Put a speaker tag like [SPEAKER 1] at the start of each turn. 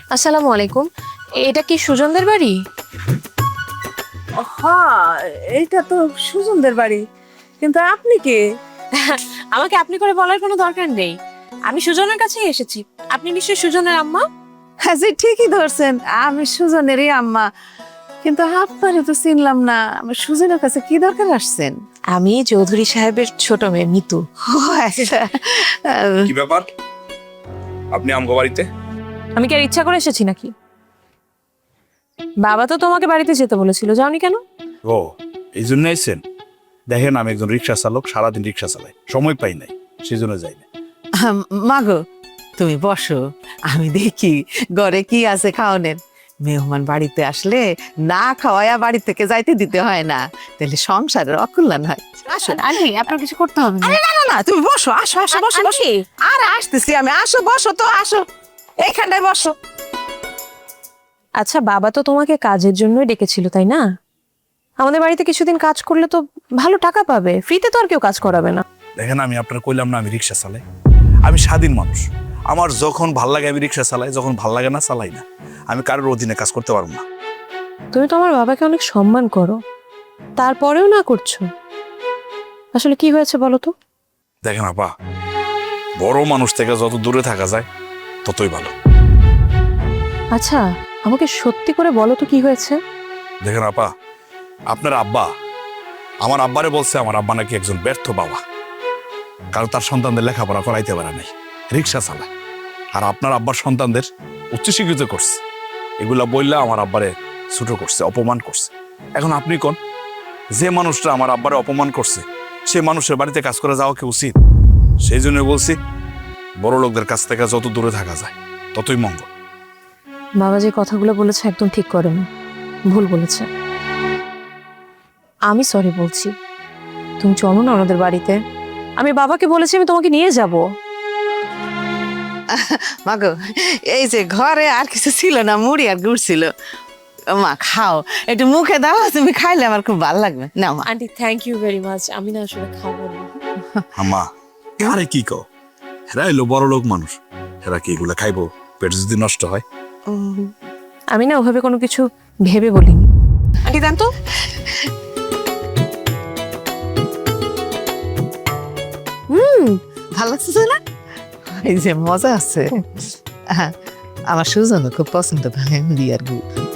[SPEAKER 1] আসসালামু আলাইকুম। এটা কি সুজনদের বাড়ি?
[SPEAKER 2] হ্যাঁ, এইটা তো সুজনদের বাড়ি, কিন্তু আপনি কে?
[SPEAKER 1] আমাকে আপনি করে বলার কোনো দরকার নেই। আমি সুজনের কাছেই এসেছি। আপনি নিশ্চয়ই সুজনের আম্মা?
[SPEAKER 2] হ্যাঁ, জি ঠিকই ধরছেন, আমি সুজনেরই আম্মা। কিন্তু আপনারে তো চিনলাম না, আমার সুজনের কাছে কি দরকার আসছেন?
[SPEAKER 1] আমি চৌধুরী সাহেবের ছোট মেয়ে মিতু।
[SPEAKER 2] ও আচ্ছা।
[SPEAKER 3] কি ব্যাপার? আপনি আমগো বাড়িতে?
[SPEAKER 1] আমি কি আর ইচ্ছা করে এসেছি নাকি? বাবা তো তোমাকে বাড়িতে যেতে বলেছিল, যাওনি কেন?
[SPEAKER 3] ও, এই জন্য এসেছেন? দেখেন, আমি একজন রিক্সা চালক, সারাদিন রিক্সা চালাই, সময় পাই নাই, সেই জন্য যাই না।
[SPEAKER 2] মাগো, তুমি বসো, আমি দেখি ঘরে কি আছে খাওয়ানের। মেহমান বাড়িতে আসলে না খাওয়ায়া বাড়ি থেকে যাইতে দিতে হয় না, তাহলে সংসারের অকল্যাণ হয়। আসো।
[SPEAKER 1] আন্টি, আপনার কিছু করতে হবে না।
[SPEAKER 2] আরে না না না, তুমি বসো, আসো আসো, বসো বসো। আরে আসতেছি আমি, আসো বসো তো, আসো এইখানটায় বসো।
[SPEAKER 1] আচ্ছা, বাবা তো তোমাকে কাজের জন্যই ডেকেছিল, তাই না? আমাদের বাড়িতে কিছুদিন কাজ করলে তো ভালো টাকা পাবে। ফ্রিতে তো আর কেউ কাজ করাবে না।
[SPEAKER 3] দেখেন, আমি আপনার কইলাম না আমি রিক্সা চালাই। আমি স্বাধীন মানুষ, আমার যখন ভাল লাগে আমি রিক্সা চালাই, যখন ভাল লাগে না চালাই না। আমি কারোর অধীনে কাজ করতে পারবো না।
[SPEAKER 1] তুমি তো আমার বাবাকে অনেক সম্মান করো, তারপরেও না করছো। আসলে কি হয়েছে বলো তো?
[SPEAKER 3] দেখেন আপা, বড় মানুষ থেকে যত দূরে থাকা যায় ততই ভালো।
[SPEAKER 1] আচ্ছা, আমাকে সত্যি করে বলো তো কি হয়েছে?
[SPEAKER 3] দেখেন আপা, আপনার আব্বা আমার আব্বারে বলছে আমার আব্বা নাকি একজন ব্যর্থ বাবা, কারণ তার সন্তানদের লেখাপড়া করাইতে পারে নাই, রিক্সা চালায়। আর আপনার আব্বার সন্তানদের উচ্চশিক্ষিত করছে, এগুলা বললে আমার আব্বারে ছোট করছে, অপমান করছে। এখন আপনি কোন, যে মানুষটা আমার আব্বারে অপমান করছে সে মানুষের বাড়িতে কাজ করে যাওয়া কি উচিত? সেই জন্য বলছি, বড় লোকদের কাছ থেকে যত দূরে থাকা যায় ততই মঙ্গল।
[SPEAKER 1] বাবা যে কথাগুলো বলেছে একদম ঠিক করেনি, ভুল বলেছে। আমি সরি বলছি। তুমি চলো না ওনাদের বাড়িতে। আমি বাবাকে বলেছি আমি তোমাকে নিয়ে যাব।
[SPEAKER 2] মাগো, এই যে ঘরে আর কিছু ছিল না, মুড়ি আর গুড় ছিল। মা খাও, একটু মুখে দাও, তুমি খাইলে আমার খুব ভালো লাগবে। না মা।
[SPEAKER 1] Aunty, thank you very much. আমি না আসলে খাবো না।
[SPEAKER 3] আম্মা, আরে কি কও, হেরা এলো বড় লোক মানুষ, হেরা কি এগুলা খাইবো? পেট যদি নষ্ট হয়।
[SPEAKER 1] আমি না ওভাবে কোনো কিছু ভেবে বলিনি। আন্টি দেন তো।
[SPEAKER 2] ভালো লাগছে না? এই যে মজা আছে। হ্যাঁ, আমার সুজন খুব পছন্দ করে মুড়ি আর গুড়।